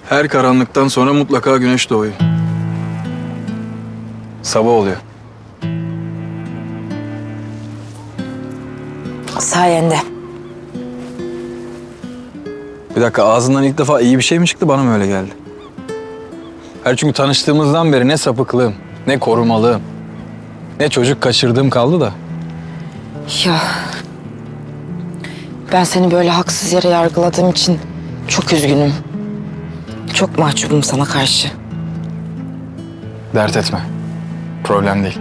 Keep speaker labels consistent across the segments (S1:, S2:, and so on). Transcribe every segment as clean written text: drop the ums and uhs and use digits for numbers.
S1: Her karanlıktan sonra mutlaka güneş doğuyor. Sabah oluyor.
S2: Sayende.
S1: Bir dakika, ağzından ilk defa iyi bir şey mi çıktı, bana mı öyle geldi? Çünkü tanıştığımızdan beri ne sapıklığım, ne korumalığım, ne çocuk kaçırdığım kaldı da.
S2: Ya ben seni böyle haksız yere yargıladığım için çok üzgünüm. Çok mahcubum sana karşı.
S1: Dert etme. Problem değil.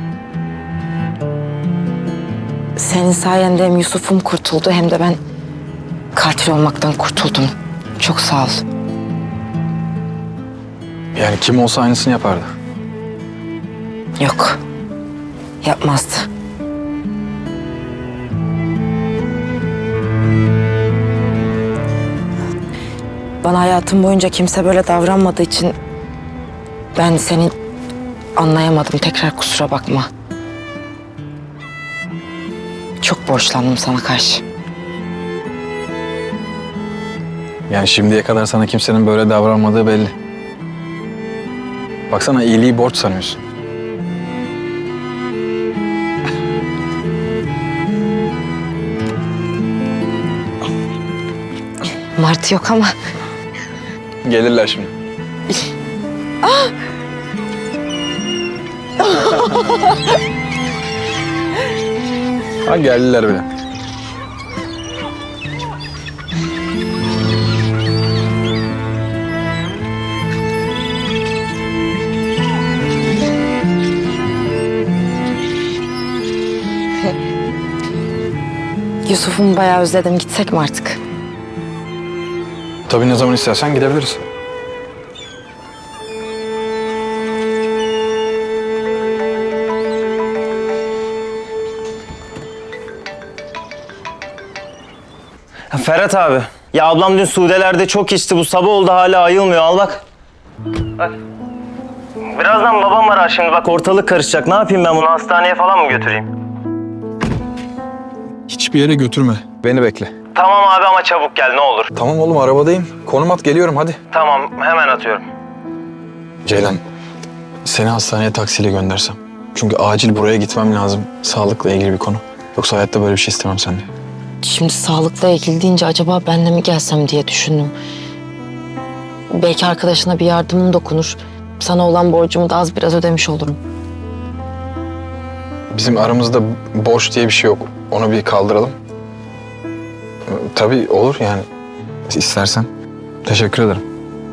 S2: Senin sayende hem Yusuf'um kurtuldu hem de ben katil olmaktan kurtuldum. Çok sağ ol.
S1: Yani kim olsa aynısını yapardı.
S2: Yok. Yapmazdı. Bana hayatım boyunca kimse böyle davranmadığı için ben seni anlayamadım. Tekrar kusura bakma. Çok borçlandım sana karşı.
S1: Yani şimdiye kadar sana kimsenin böyle davranmadığı belli. Baksana, iyiliği borç sanıyorsun.
S2: Martı yok ama
S1: Gelirler şimdi. Ha, geldiler bile.
S2: Yusuf'umu bayağı özledim. Gitsek mi artık?
S1: Tabii, ne zaman istersen gidebiliriz.
S3: Ferhat abi. Ya ablam dün Sude'lerde çok içti. Bu sabah oldu hala ayılmıyor. Al bak. Bak. Birazdan babam arar şimdi. Bak ortalık karışacak. Ne yapayım ben bunu? Hastaneye falan mı götüreyim?
S1: Hiçbir yere götürme. Beni bekle.
S3: Tamam abi ama çabuk gel ne olur.
S1: Tamam oğlum, arabadayım. Konum at, geliyorum hadi.
S3: Tamam hemen atıyorum.
S1: Ceylan, seni hastaneye taksiyle göndersem. Çünkü acil buraya gitmem lazım. Sağlıkla ilgili bir konu. Yoksa hayatta böyle bir şey istemem senden.
S2: Şimdi sağlıkla ilgili deyince acaba ben de mi gelsem diye düşündüm. Belki arkadaşına bir yardımım dokunur. Sana olan borcumu da az biraz ödemiş olurum.
S1: Bizim aramızda borç diye bir şey yok. Onu bir kaldıralım. Tabii olur yani. İstersen. Teşekkür ederim.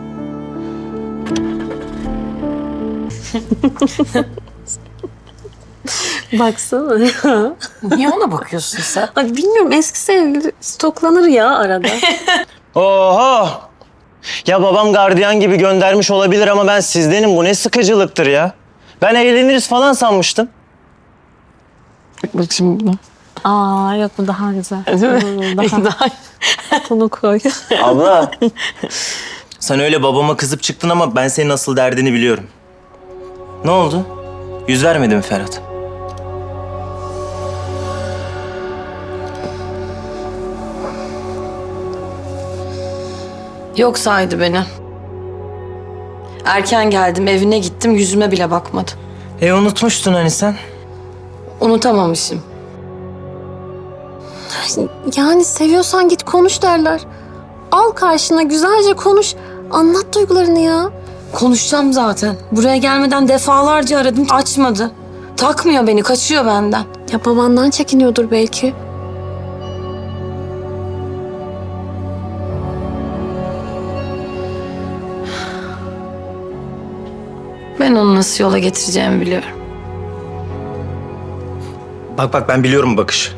S4: Baksana ya.
S2: Niye ona bakıyorsun sen?
S4: Ay bilmiyorum, eski sevgili stoklanır ya arada.
S3: Oho! Ya babam gardiyan gibi göndermiş olabilir ama ben sizdenim. Bu ne sıkıcılıktır ya. Ben eğleniriz falan sanmıştım.
S2: Bak şimdi buna.
S4: Aa yok, bu daha güzel. Daha bunu koy.
S3: Abla. Sen öyle babama kızıp çıktın ama ben senin asıl derdini biliyorum. Ne oldu? Yüz vermedi mi Ferhat?
S5: Yok saydı beni. Erken geldim, evine gittim, yüzüme bile bakmadı.
S3: Unutmuştun hani sen.
S5: Unutamamışım.
S4: Yani seviyorsan git konuş derler. Al karşına güzelce konuş. Anlat duygularını ya.
S5: Konuşacağım zaten. Buraya gelmeden defalarca aradım, açmadı. Takmıyor beni, kaçıyor benden.
S4: Ya babandan çekiniyordur belki.
S5: Ben onu nasıl yola getireceğimi biliyorum.
S3: Bak ben biliyorum bu bakışı.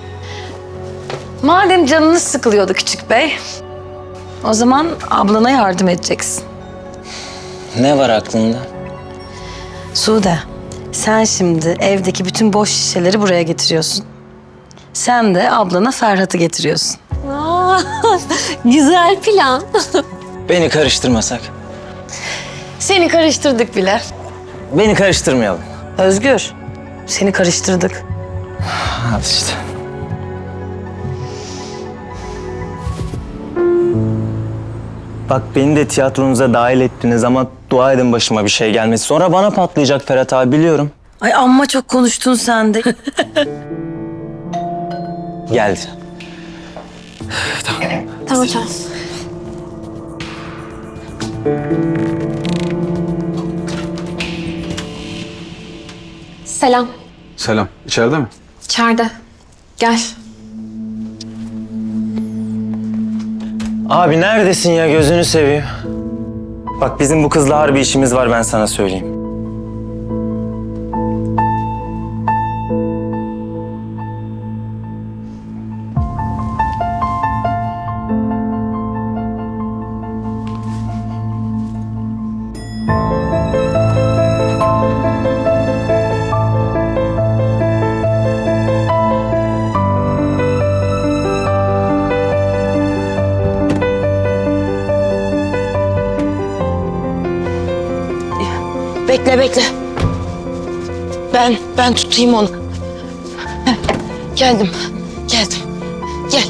S5: Madem canınız sıkılıyordu küçük bey, o zaman ablana yardım edeceksin.
S3: Ne var aklında?
S5: Sude, sen şimdi evdeki bütün boş şişeleri buraya getiriyorsun. Sen de ablana Ferhat'ı getiriyorsun.
S4: Aa, güzel plan.
S3: Beni karıştırmasak.
S5: Seni karıştırdık bile.
S3: Beni karıştırmayalım.
S5: Özgür, seni karıştırdık.
S3: Hadi işte. Bak beni de tiyatronuza dahil ettiniz ama dua edin başıma bir şey gelmesi. Sonra bana patlayacak Ferhat abi biliyorum.
S5: Ay amma çok konuştun sen de.
S3: Geldi.
S4: Tamam tamam. Selam.
S1: Selam. İçeride mi?
S4: İçeride. Gel.
S3: Abi neredesin ya gözünü seveyim. Bak bizim bu kızla harbi işimiz var ben sana söyleyeyim.
S2: Bekle bekle. Ben tutayım onu. Heh, geldim. Gel.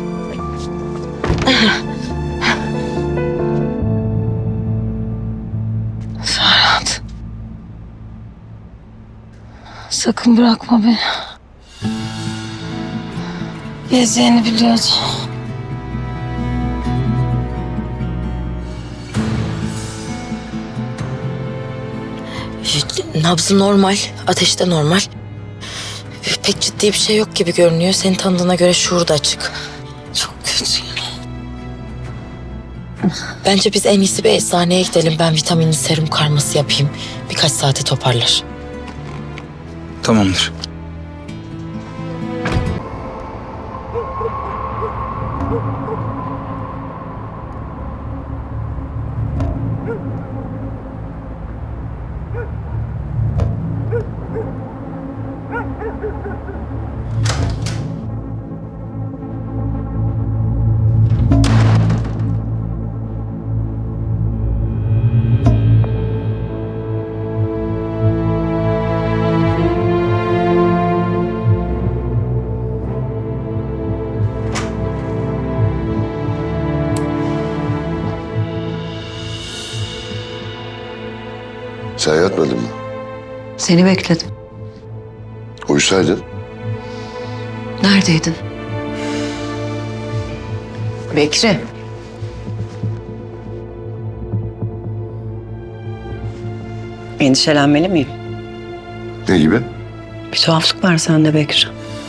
S5: Ferhat. Sakın bırakma beni. Gezeceğini biliyordum.
S2: Nabzı normal, ateşi de normal. Pek ciddi bir şey yok gibi görünüyor. Seni tanıdığına göre şuuru da açık.
S5: Çok kötü.
S2: Bence biz en iyisi bir eczaneye gidelim. Ben vitaminli serum karması yapayım. Birkaç saate toparlar.
S1: Tamamdır.
S6: Sen yatmadın mı?
S7: Seni bekledim.
S6: Uyusaydın.
S7: Neredeydin? Bekri. Endişelenmeli miyim?
S6: Ne gibi?
S7: Bir tuhaflık var sende Bekri.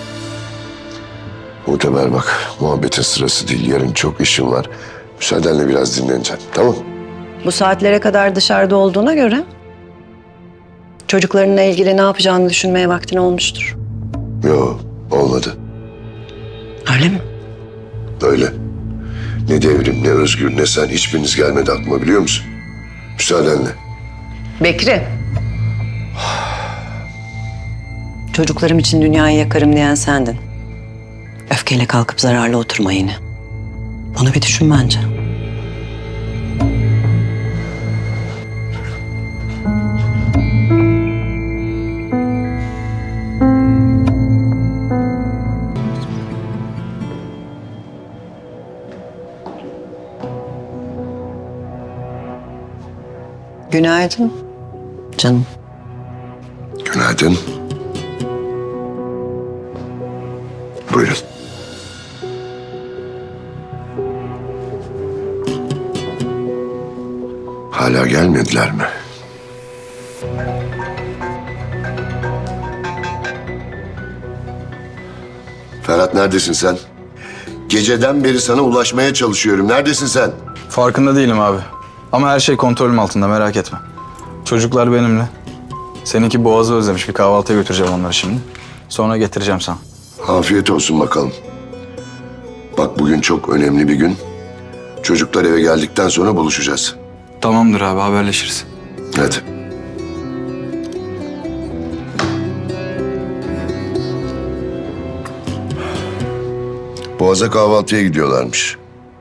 S6: Muhteber bak, muhabbetin sırası değil. Yarın çok işim var. Müsaadenle biraz dinleneceğim, tamam?
S7: Bu saatlere kadar dışarıda olduğuna göre çocuklarınla ilgili ne yapacağını düşünmeye vaktin olmuştur.
S6: Yo, olmadı.
S7: Öyle mi?
S6: Öyle. Ne Devrim, ne Özgür, ne sen hiçbiriniz gelmedi aklıma biliyor musun? Müsaadenle.
S7: Bekri. Çocuklarım için dünyayı yakarım diyen sendin. Öfkeyle kalkıp zararlı oturma yine. Onu bir düşün bence. Günaydın canım.
S6: Günaydın. Buyurun. Hala gelmediler mi? Ferhat neredesin sen? Geceden beri sana ulaşmaya çalışıyorum. Neredesin sen?
S1: Farkında değilim abi. Ama her şey kontrolüm altında, merak etme. Çocuklar benimle. Seninki boğazı özlemiş. Bir kahvaltıya götüreceğim onları şimdi. Sonra getireceğim sana.
S6: Afiyet olsun bakalım. Bak bugün çok önemli bir gün. Çocuklar eve geldikten sonra buluşacağız.
S1: Tamamdır abi, haberleşiriz.
S6: Hadi. Boğaz'a kahvaltıya gidiyorlarmış.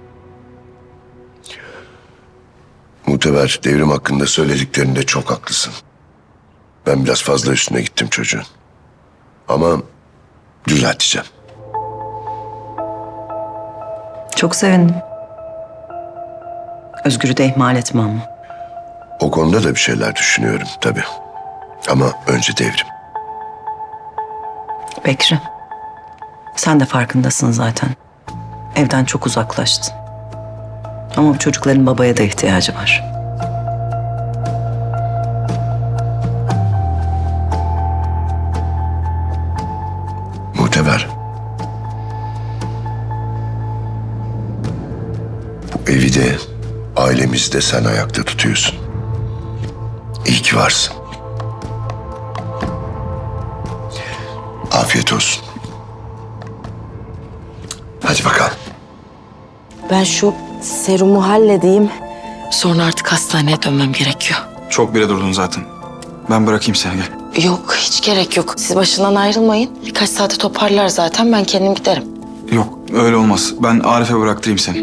S6: Muhteber Devrim hakkında söylediklerinde çok haklısın. Ben biraz fazla üstüne gittim çocuğun. Ama düzelteceğim.
S7: Çok sevindim. Özgür'ü de ihmal etme ama.
S6: O konuda da bir şeyler düşünüyorum tabii. Ama önce Devrim.
S7: Bekri, sen de farkındasın zaten. Evden çok uzaklaştın. Ama bu çocukların babaya da ihtiyacı var.
S6: Muhteber. Bu evi de ailemizi de sen ayakta tutuyorsun. İyi ki varsın. Afiyet olsun. Hadi bakalım.
S2: Ben şu serumu halledeyim. Sonra artık hastaneye dönmem gerekiyor.
S1: Çok bile durdun zaten. Ben bırakayım seni, gel.
S2: Yok, hiç gerek yok. Siz başından ayrılmayın. Birkaç saate toparlar zaten. Ben kendim giderim.
S1: Yok, öyle olmaz. Ben Arif'e bıraktırayım seni.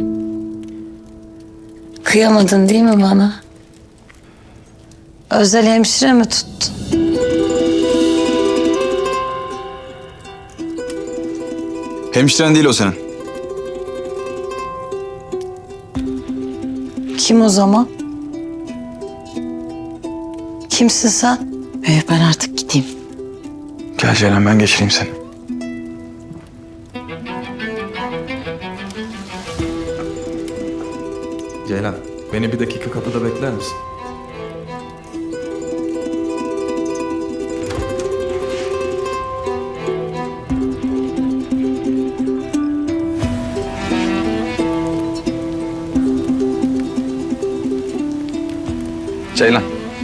S5: Kıyamadın değil mi bana? Özel hemşire mi tuttun?
S1: Hemşiren değil o senin.
S5: Kim o zaman? Kimsin sen?
S2: Ben artık gideyim.
S1: Gel Ceylan, ben geçireyim seni. Ceylan, beni bir dakika kapıda bekler misin? Ceylan.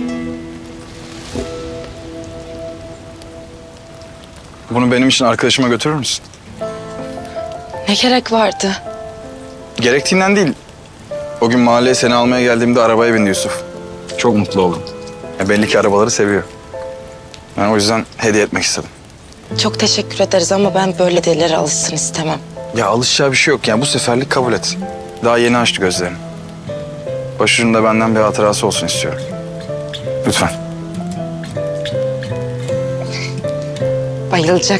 S1: Bunu benim için arkadaşıma götürür müsün?
S2: Ne gerek vardı?
S1: Gerektiğinden değil. O gün mahalleye seni almaya geldiğimde arabaya bindi Yusuf. Çok mutlu oldum. Belli ki arabaları seviyor. Ben o yüzden hediye etmek istedim.
S2: Çok teşekkür ederiz ama ben böyle delilere alışsın istemem.
S1: Ya alışacağı bir şey yok yani, bu seferlik kabul et. Daha yeni açtı gözlerini. Başucunda benden bir hatırası olsun istiyorum. Lütfen.
S2: Bayılacak.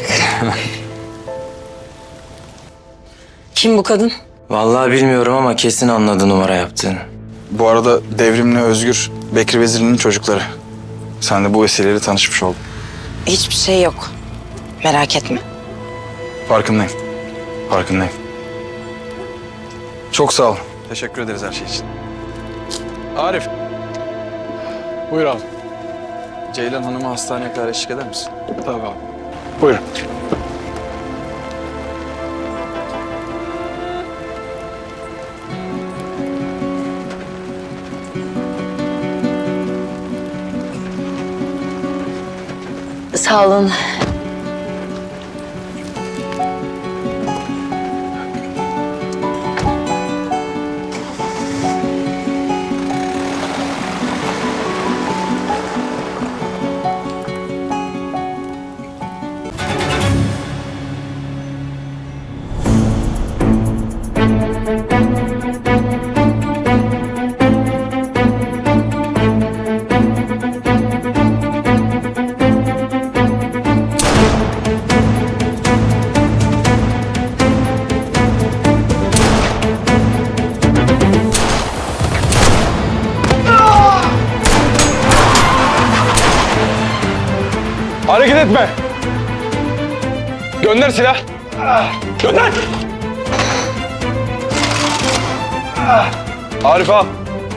S5: Kim bu kadın?
S3: Vallahi bilmiyorum ama kesin anladı numara yaptığını.
S1: Bu arada Devrim'le Özgür, Bekri Vezirli'nin çocukları. Sen de bu vesileyle tanışmış oldun.
S2: Hiçbir şey yok. Merak etme.
S1: Farkındayım. Farkındayım. Çok sağ ol. Teşekkür ederiz her şey için. Arif. Buyur abi. Ceylan Hanım'ı hastaneye kadar eşlik eder misin? Tabii abi. Buyurun.
S2: Sağ olun.
S1: Hareket etme. Gönder silah. Gönder. Arif al.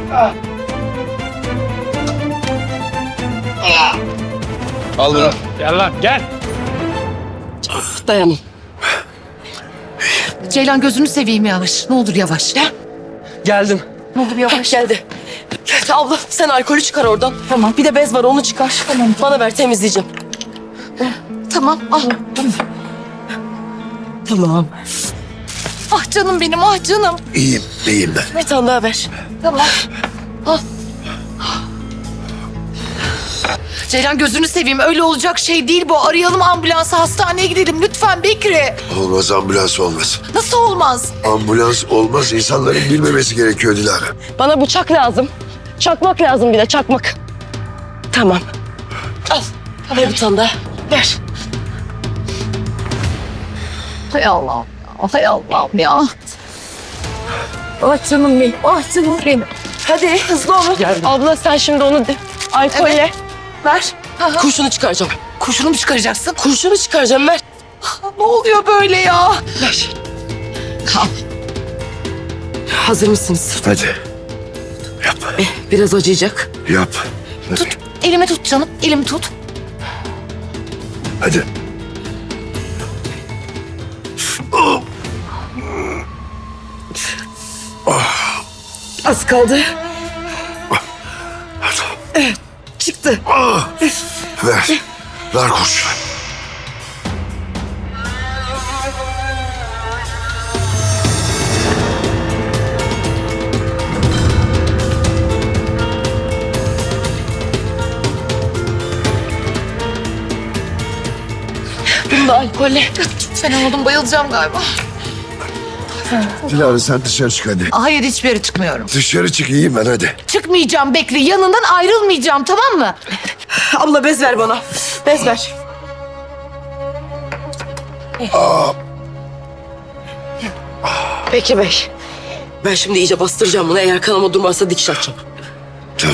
S1: Al bunu.
S8: Gel lan gel.
S2: Dayanın.
S8: Ceylan gözünü seveyim yavaş. Ne olur yavaş. Ya.
S9: Geldim.
S8: Ne olur yavaş.
S9: Geldi. Abla sen alkolü çıkar oradan. Tamam. Bir de bez var onu çıkar. Tamam. Bana ver temizleyeceğim.
S8: Tamam al.
S9: Tamam.
S8: Ah canım benim ah canım.
S6: İyiyim, iyiyim ben.
S9: Bir tane daha ver.
S8: Tamam. Al. Ceylan gözünü seveyim öyle olacak şey değil bu. Arayalım ambulansı hastaneye gidelim lütfen Bekri.
S6: Olmaz, ambulans olmaz.
S8: Nasıl olmaz?
S6: Ambulans olmaz, insanların bilmemesi gerekiyor Dilara.
S9: Bana bıçak lazım. Çakmak lazım bir de çakmak. Tamam. Al. Ver bir tane daha. Ver.
S8: Hay Allah'ım ya. Hay Allah'ım ya. Ah canım benim. Ah canım benim.
S9: Hadi hızlı olun.
S2: Abla sen şimdi onu alkolle.
S9: Ver. Kurşunu çıkaracağım.
S8: Kurşunu mu çıkaracaksın?
S9: Kurşunu çıkaracağım ver.
S8: Ne oluyor böyle ya?
S9: Ver. Hazır mısınız?
S6: Hadi. Yap.
S9: Biraz acıyacak.
S6: Yap. Hadi.
S8: Tut. Elimi tut canım. Elimi tut.
S6: Hadi.
S9: Az kaldı. Evet, çıktı.
S6: Ver. Ver kurşunu.
S8: Bunu da alkolle. Çok fena oldum. Bayılacağım galiba.
S6: Dilara sen dışarı çık hadi.
S8: Hayır, hiçbir yere çıkmıyorum.
S6: Dışarı çık iyiyim ben hadi.
S8: Çıkmayacağım Bekri. Yanından ayrılmayacağım, tamam mı?
S9: Abla bez ver bana. Bez ver.
S2: Peki Bey.
S9: Ben şimdi iyice bastıracağım bunu. Eğer kanama durmazsa dikiş atacağım.
S6: Tamam.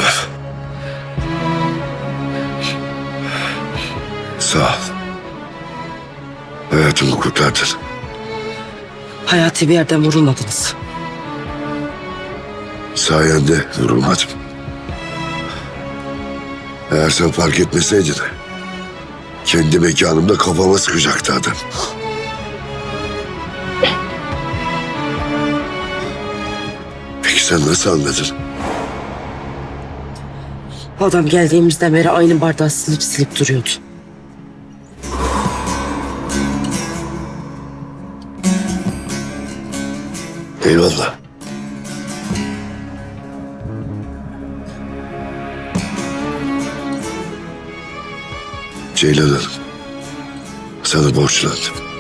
S6: Sağ ol. Hayatımı kurtardın.
S9: Hayati bir yerden vurulmadınız.
S6: Sayende vurulmadım. Eğer sen fark etmeseydin kendi mekanımda kafama sıkacaktı adam. Peki sen nasıl anladın?
S9: Adam geldiğimizden beri aynı bardağı silip duruyordu.
S6: Eyvallah. Ceylan Hanım, sana borçlandım.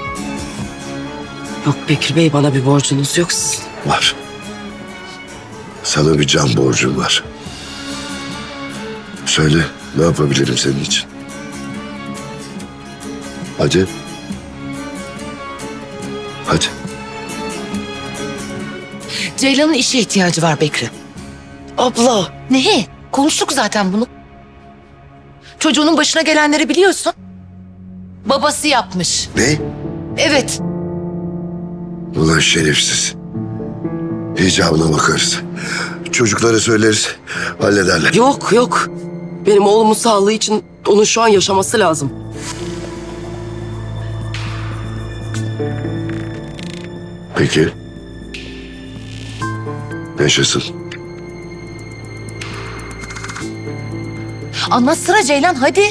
S9: Yok Bekir Bey, bana bir borcunuz yok sizin.
S6: Var. Sana bir can borcum var. Söyle, ne yapabilirim senin için? Hadi. Hadi.
S8: Ceylan'ın işe ihtiyacı var Bekri.
S9: Abla.
S8: Ne? Konuştuk zaten bunu. Çocuğunun başına gelenleri biliyorsun. Babası yapmış.
S6: Ne?
S8: Evet.
S6: Ulan şerefsiz. İcabına bakarız. Çocuklara söyleriz, hallederler.
S9: Yok. Benim oğlumun sağlığı için onun şu an yaşaması lazım.
S6: Peki. Yaşasın.
S8: Anlatsana Ceylan, hadi.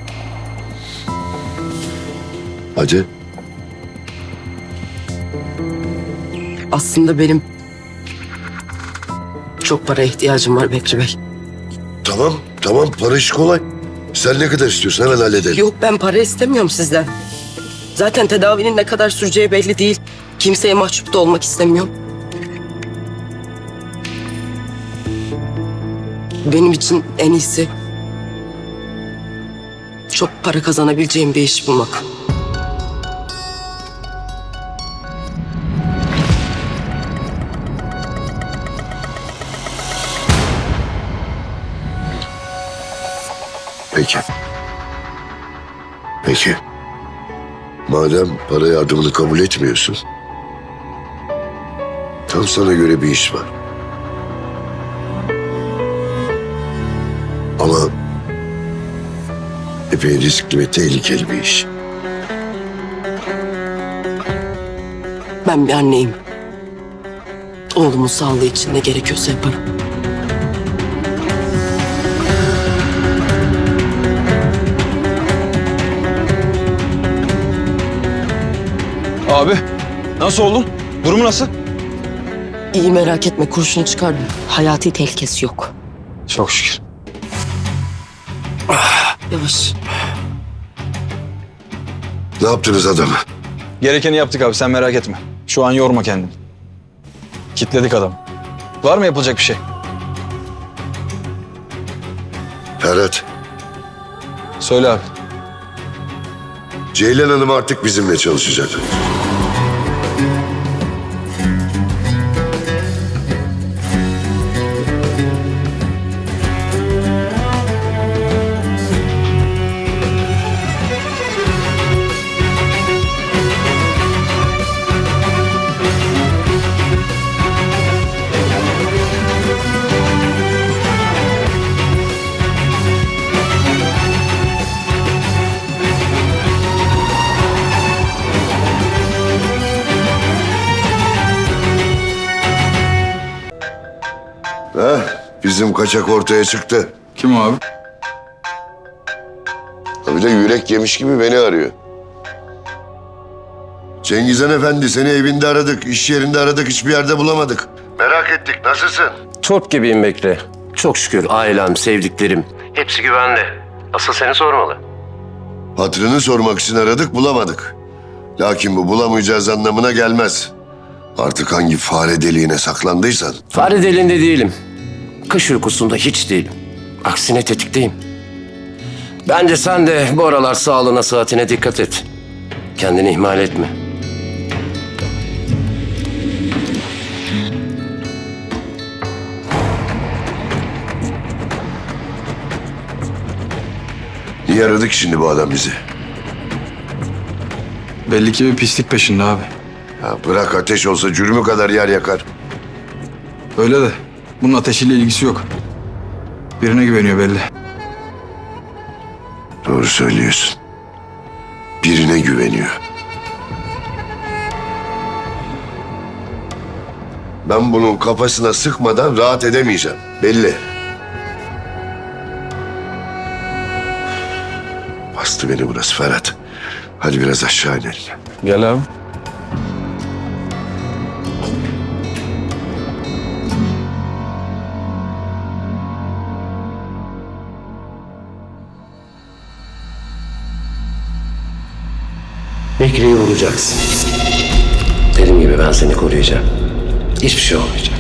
S6: Hadi.
S9: Aslında benim çok paraya ihtiyacım var Bekri Bey.
S6: Tamam. Para işi kolay. Sen ne kadar istiyorsun hemen halledelim.
S9: Yok, ben para istemiyorum sizden. Zaten tedavinin ne kadar süreceği belli değil. Kimseye mahcup da olmak istemiyorum. Benim için en iyisi çok para kazanabileceğim bir iş bulmak.
S6: Peki. Madem para yardımını kabul etmiyorsun, tam sana göre bir iş var. Ama epey riskli ve tehlikeli bir iş.
S9: Ben bir anneyim. Oğlumun sağlığı için ne gerekiyorsa yaparım.
S1: Abi nasıl oldun? Durumu nasıl?
S9: İyi, merak etme, kurşunu çıkardım.
S2: Hayati tehlikesi yok.
S1: Çok şükür.
S9: Yavaş.
S6: Ne yaptınız adamı?
S1: Gerekeni yaptık abi, sen merak etme. Şu an yorma kendini. Kitledik adamı. Var mı yapılacak bir şey?
S6: Ferhat,
S1: Söyle abi.
S6: Ceylan Hanım artık bizimle çalışacak. Ha, bizim kaçak ortaya çıktı.
S1: Kim o abi?
S6: Bir de yürek yemiş gibi beni arıyor. Cengizhan Efendi, seni evinde aradık, iş yerinde aradık, hiçbir yerde bulamadık. Merak ettik, nasılsın?
S10: Top gibiyim Bekri. Çok şükür ailem, sevdiklerim. Hepsi güvende. Asıl seni sormalı.
S6: Hatırını sormak için aradık, bulamadık. Lakin bu bulamayacağız anlamına gelmez. Artık hangi fare deliğine saklandıysan.
S10: Fare deliğinde değilim. Kış uykusunda hiç değilim. Aksine tetikteyim. Bence sen de bu aralar sağlığına, sıhhatine dikkat et. Kendini ihmal etme.
S6: Niye aradık şimdi bu adam bizi?
S1: Belli ki bir pislik peşinde abi.
S6: Ya bırak, ateş olsa cürmü kadar yer yakar.
S1: Öyle de bunun ateşiyle ilgisi yok. Birine güveniyor belli.
S6: Doğru söylüyorsun. Birine güveniyor. Ben bunun kafasına sıkmadan rahat edemeyeceğim. Belli. Bastı beni burası Ferhat. Hadi biraz aşağı inelim.
S1: Gel abi.
S10: Bekri'yi vuracaksın. Dediğim gibi ben seni koruyacağım. Hiçbir şey olmayacak.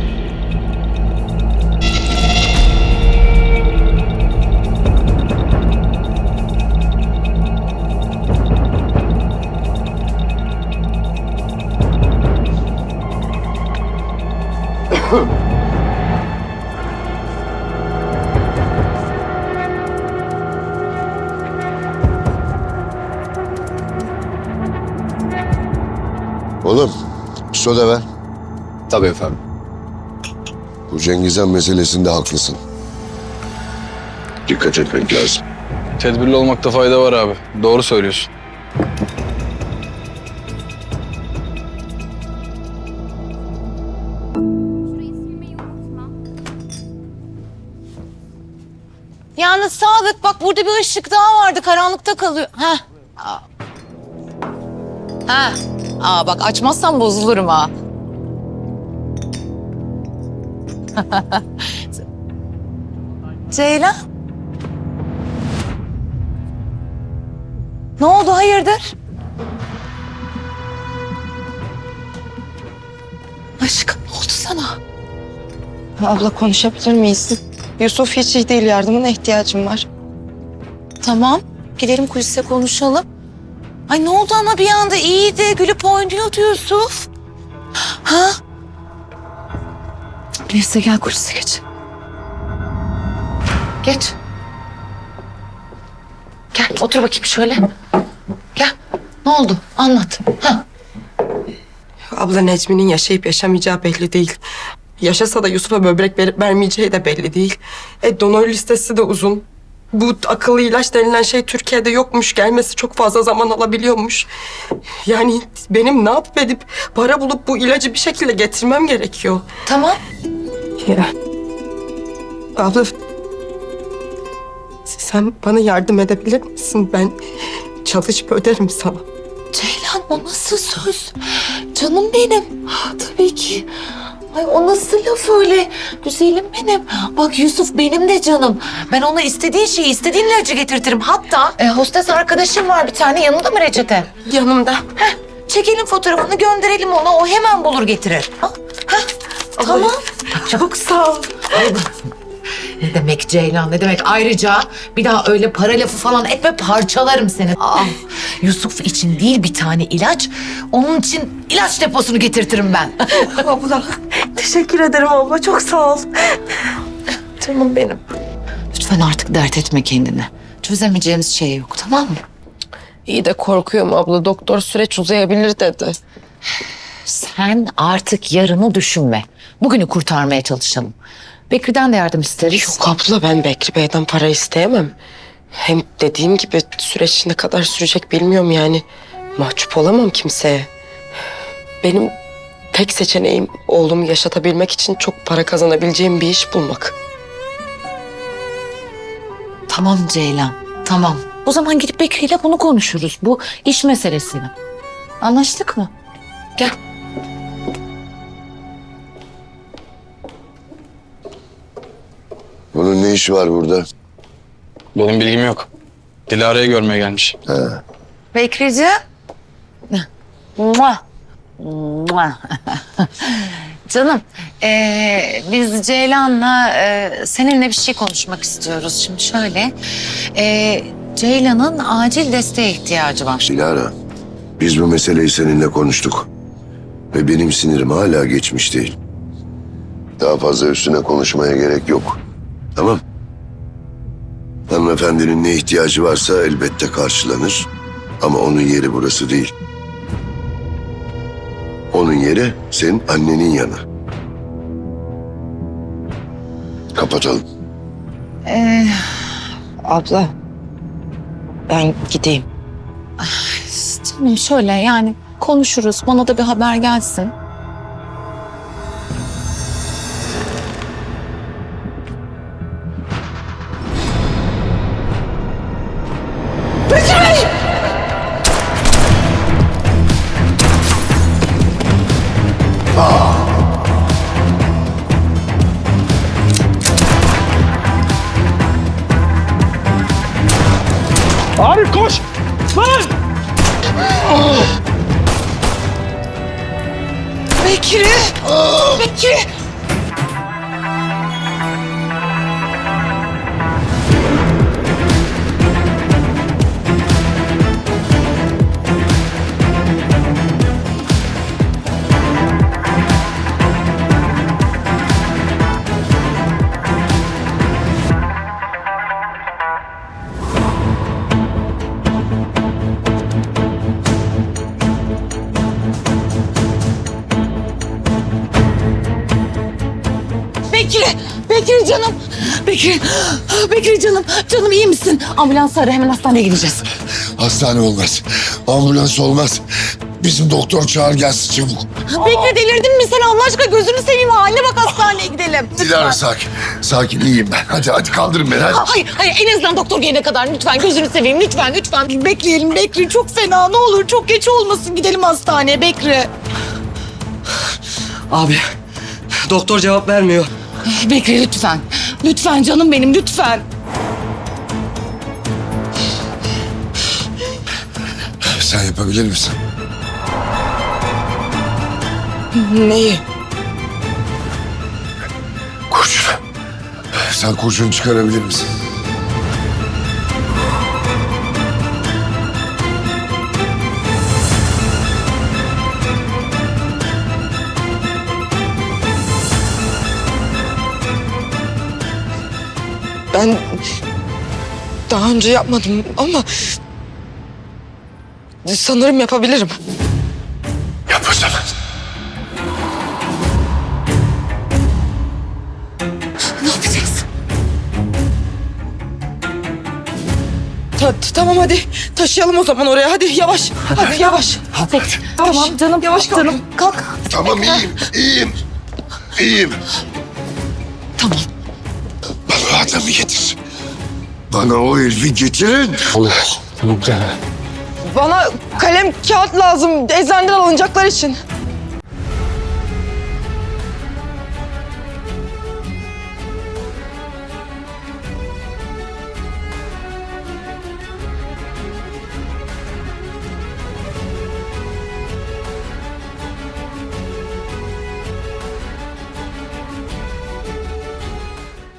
S6: Oğlum, soda ver.
S1: Tabii efendim.
S6: Bu Cengizhan meselesinde haklısın. Dikkat etmek lazım.
S1: Tedbirli olmakta fayda var abi. Doğru söylüyorsun.
S8: Yalnız Sadık bak burada bir ışık daha vardı. Karanlıkta kalıyor. Ha. Ha. Aa bak açmazsan bozulurum ha. Ceylan. Ne oldu hayırdır? Aşkım ne oldu sana?
S2: Abla konuşabilir miyiz? Yusuf hiç iyi değil, yardımına ihtiyacım var.
S8: Tamam. Gidelim kulise konuşalım. Ay ne oldu ama bir anda iyiydi. Gülüp oynuyordu Yusuf. Ha? Neyse gel kulise geç. Geç. Gel otur bakayım şöyle. Gel. Ne oldu? Anlat. Ha.
S11: Abla Necmi'nin yaşayıp yaşamayacağı belli değil. Yaşasa da Yusuf'a böbrek verip vermeyeceği de belli değil. Donör listesi de uzun. Bu akıllı ilaç denilen şey Türkiye'de yokmuş. Gelmesi çok fazla zaman alabiliyormuş. Yani benim ne yapıp edip para bulup bu ilacı bir şekilde getirmem gerekiyor.
S8: Tamam.
S11: Ya. Abla sen bana yardım edebilir misin? Ben çalışıp öderim sana.
S8: Ceylan o nasıl söz? Canım benim. Tabii ki. Ay o nasıl laf öyle? Güzelim benim. Bak Yusuf benim de canım. Ben ona istediği şeyi, istediğin ilacı getirtirim. Hatta hostes arkadaşım var bir tane. Yanında mı reçete?
S11: Yanımda.
S8: Çekelim fotoğrafını gönderelim ona. O hemen bulur getirir. Ha? Tamam.
S11: Çok sağ ol.
S8: Ne demek Ceylan ne demek? Ayrıca bir daha öyle para lafı falan etme parçalarım seni. Yusuf için değil bir tane ilaç. Onun için ilaç deposunu getirtirim ben.
S11: Abla teşekkür ederim abla. Çok sağ ol.
S8: Canım benim. Lütfen artık dert etme kendini. Çözemeyeceğimiz şey yok tamam mı?
S2: İyi de korkuyorum abla. Doktor süreç uzayabilir dedi.
S8: Sen artık yarını düşünme. Bugünü kurtarmaya çalışalım. Bekri'den de yardım isteriz.
S11: Yok abla ben Bekri Bey'den para isteyemem. Hem dediğim gibi süreç ne kadar sürecek bilmiyorum yani. Mahcup olamam kimseye. Benim tek seçeneğim oğlumu yaşatabilmek için çok para kazanabileceğim bir iş bulmak.
S8: Tamam Ceylan, tamam. O zaman gidip Bekri'yle bunu konuşuruz. Bu iş meselesini. Anlaştık mı? Gel.
S6: Bunun ne işi var burada?
S1: Benim bilgim yok. Dilara'yı görmeye gelmiş.
S8: Bekrici. Mua. Mua. Canım, biz Ceylan'la seninle bir şey konuşmak istiyoruz. Şimdi şöyle, Ceylan'ın acil desteğe ihtiyacı var.
S6: Dilara, biz bu meseleyi seninle konuştuk. Ve benim sinirim hala geçmiş değil. Daha fazla üstüne konuşmaya gerek yok. Tamam. Hanımefendinin ne ihtiyacı varsa elbette karşılanır. Ama onun yeri burası değil. Onun yeri senin annenin yanı. Kapatalım.
S2: Abla ben gideyim.
S8: Canım şöyle yani konuşuruz. Bana da bir haber gelsin.
S1: Arif koş! Lan!
S8: Bekri! Bekri! Bekri! Bekri canım! Bekri canım! Canım iyi misin? Ambulans ara, hemen hastaneye gideceğiz.
S6: Hastane olmaz. Ambulans olmaz. Bizim doktor çağır gelsin çabuk.
S8: Bekri delirdin mi sen Allah aşkına? Gözünü seveyim, haline bak, hastaneye gidelim.
S6: Dilara sakin. Sakin iyiyim ben. Hadi kaldırın beni hadi.
S8: Hayır en azından doktor gelene kadar lütfen gözünü seveyim lütfen. Bekleyelim Bekri, çok fena, ne olur çok geç olmasın, gidelim hastaneye Bekri.
S12: Abi, doktor cevap vermiyor.
S8: Bekri lütfen. Lütfen canım benim, lütfen.
S6: Sen yapabilir misin?
S11: Neyi?
S6: Kurşun. Sen kurşun çıkarabilir misin?
S11: Ben daha önce yapmadım ama sanırım yapabilirim.
S6: Yap o zaman.
S8: Ne yapacağız?
S11: Tamam hadi taşıyalım o zaman oraya, hadi yavaş. Hadi yavaş.
S8: Tamam canım.
S11: Yavaş kalk.
S8: Canım kalk.
S6: Tamam iyiyim.
S8: Tamam.
S6: Bana o adamı getir. Bana o herifi getirin.
S11: Bana kalem kağıt lazım eczaneden alınacaklar için.